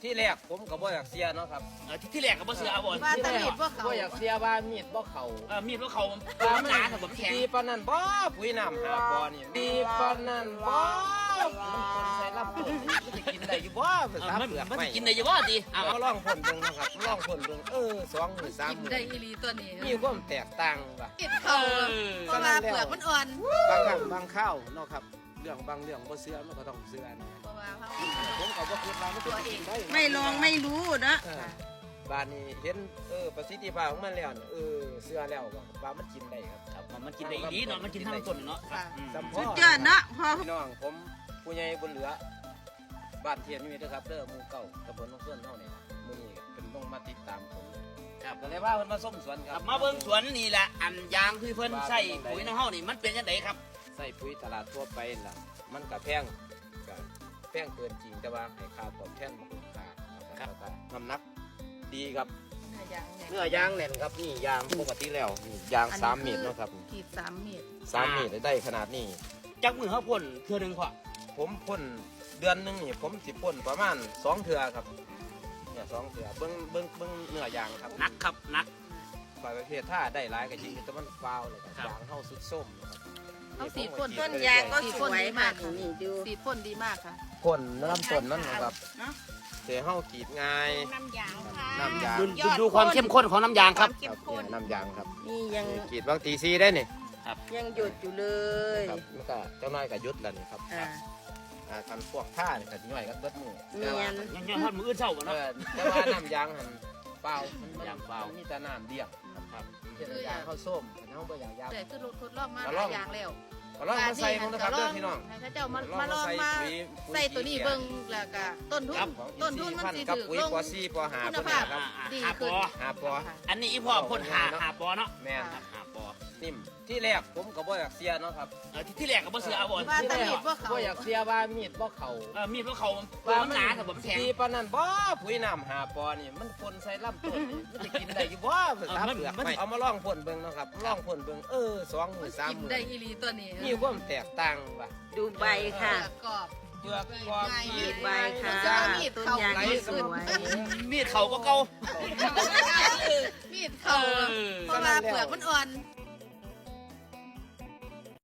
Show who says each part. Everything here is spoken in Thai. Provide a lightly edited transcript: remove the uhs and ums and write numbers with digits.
Speaker 1: ที่แรกผมก็บ่อยากเสียเนาะครับ
Speaker 2: ที่แรกก็บ่เสือเอาบ่
Speaker 3: ว่าแต่มีดบ่เขา
Speaker 1: บ่อยากเสียว่ามีดบ่เข้า
Speaker 2: มีดพวกเขามันหนาแต่ผมแข็ง
Speaker 1: ดีปานนั้นบ่ปุ๋ยน้ำหาปอนี่ดีปานนั้นบ่มันคนใส่ลำต้นมันจะกินได้อยู่บ่ภาษาเปลือก
Speaker 2: มัน
Speaker 1: ไม่
Speaker 2: จะกินได้อยู่บ่ดี
Speaker 1: เอาลองพ่นเบิ่งนะครับลองพ่นเบิ่ง2 มื้อ3
Speaker 3: กิน
Speaker 1: มื้อ
Speaker 3: ได้อีหลีตัวนี้
Speaker 1: มีความแตกต่างว่ะ
Speaker 3: กินเขาเพราะว่าเปลือกมันอ่อน
Speaker 1: บางครั้งบางข้าวเนาะครับเรื่องบางเรื่องบ่เชื่อมันก็ต้องเชื่อนะ
Speaker 3: เพราะว่าเขา
Speaker 1: ผมก็บ่คิดว่ามันจะกินได้
Speaker 4: ไม่ลองไม่รู้นะ
Speaker 1: บ้านนี้เห็นประสิทธิภาพของมันแล้วเชื่อแล้วว่ามันกินได้ครับ
Speaker 2: มันกินได้ดีเนาะมันกินทั้งต้นเนาะ
Speaker 1: สัมพ
Speaker 4: สุ
Speaker 1: อ
Speaker 4: ดยอดนะพอ
Speaker 1: พี่น้องผมผู้ใหญ่บนเหลือบ้านเทียนนี่นะครับเด้อหมู่เก่าตำบลหนองส่วนเฮานี่มื้อนี้เป็นต้องมาติดตามผมครับก็เลยว่าเพิ่นมาส้มสวนครับ
Speaker 2: มาเบิ่งสวนนี่แหละอันยางที่เพิ่นใส่ปุ๋ยน้ำเฮานี่มันเป็นจังไดครับ
Speaker 1: ใส่ปุ๋ยตลาดทั่วไปล่ะมันก็แพงเกินจริงแต่ว่าให้ค่าตอบแทนมันคุ้มค่าครับน้ำหนักดีครับเนื้อยางแน่นครับนี่ยางปกติแล้วนี่ยาง3 เมตรเนาะครับ
Speaker 3: ขีด3 เมตร
Speaker 1: 3 เมตรได้ขนาดนี้
Speaker 2: จักมือเขาพ่นเทื่อนึงพอ
Speaker 1: ผมพ่นเดือนหนึงนี่ผมสิพ่นประมาณ2 เทื่อครับเนี่ย2 เทื่อเบิ่งเนื้อยางครับ
Speaker 2: นักครับนัก
Speaker 1: ฝ่ายประเภทถ้าได้หลายก็จริงแต่มันฟาวเลยครับยางเข้าสุดส้มนะครับ
Speaker 3: เอาสีพ่น
Speaker 4: ต้นยางก็สวยมากนี่ดู
Speaker 3: สีพ่นดีมากค่ะ
Speaker 1: พ่นน้ำต้นมันนะครับเสียเข้ากรีดง่าย
Speaker 4: น้ำยางค่ะ
Speaker 1: น้ำยาง
Speaker 2: ดูความเข้มข้นของน้ำยางครับ
Speaker 1: ครับเนี่ยน้ำยางครับ
Speaker 4: นี่ยัง
Speaker 1: กรีดบางตีซีได้นี่
Speaker 4: ยังหยดอยู่เลย
Speaker 1: ครับมันก็เจ้าน้อยก็ยุดแล้วนี่ครับ คันพวกผ้าเนี่ยก็ย่อยก็เบิดมือ
Speaker 4: เนียน
Speaker 2: ยังทอดมืออื่นเช้าบ่เนาะ
Speaker 1: แต่ว่าน้ำยางหันเปล่ามัน
Speaker 2: ยางเปล่า
Speaker 1: มีแต่น้ำเดียวครับเช่นยางข้าวส้มน้องบ่อย่างยาง
Speaker 3: แต่คือทดลองมาหลายอย่างแล้ว
Speaker 1: ก็ลองมาใส่ผมนะครับเด้อพี่น้อง
Speaker 3: ให้เขาเจ้ามาลองมาใส่ตัวนี้เบิ่งแล้วก็ต้นทุนมันสิ
Speaker 1: กับ
Speaker 3: ถูก
Speaker 1: ปุ๋ย
Speaker 3: ลง
Speaker 1: ปอซี่ปอหา
Speaker 3: คุณ
Speaker 1: พวก
Speaker 3: ภา
Speaker 1: นี้
Speaker 3: พ
Speaker 1: ครับ
Speaker 3: ดีขึ้น
Speaker 1: หาปอ
Speaker 2: อันนี้อีพ่อพ่นหาปอเนาะ
Speaker 1: แม่น
Speaker 2: หาปอ
Speaker 1: นิ่มที่แรกผมก็บ่อยากเสียเนาะครับ
Speaker 2: ที่แรกก็บ่เสือเอาบ่
Speaker 3: ว่าแต่มีดบ่เขา
Speaker 1: บ่อยากเสียว่ามีดบ่เข้า
Speaker 2: มีดพวกเขามันหนาแต่ผมแข็ง
Speaker 1: ดีปานนั้นบ่ปุ๋ยน้ำหาปอนี่มันพ่นใส่ลำต้นนี่มันจะกินได้อยู่บ่ภาษาเปลือกไม่เอามาลองพ่นเบิ่งเนาะครับลองพ่นเบิ่ง2 มื้อ3
Speaker 3: กิน
Speaker 1: มื้อ
Speaker 3: ได้อีหลีตัวนี้
Speaker 1: มีความแตกต่างว่ะ
Speaker 4: ดูใบค่ะ
Speaker 3: กรอบ
Speaker 1: เปลือกความ
Speaker 4: ดูใบค่ะ ต้นยางก็สวย
Speaker 2: มีดเขาก็เก่า
Speaker 3: มีดเขาเพราะว่าเปลือกมันอ่อน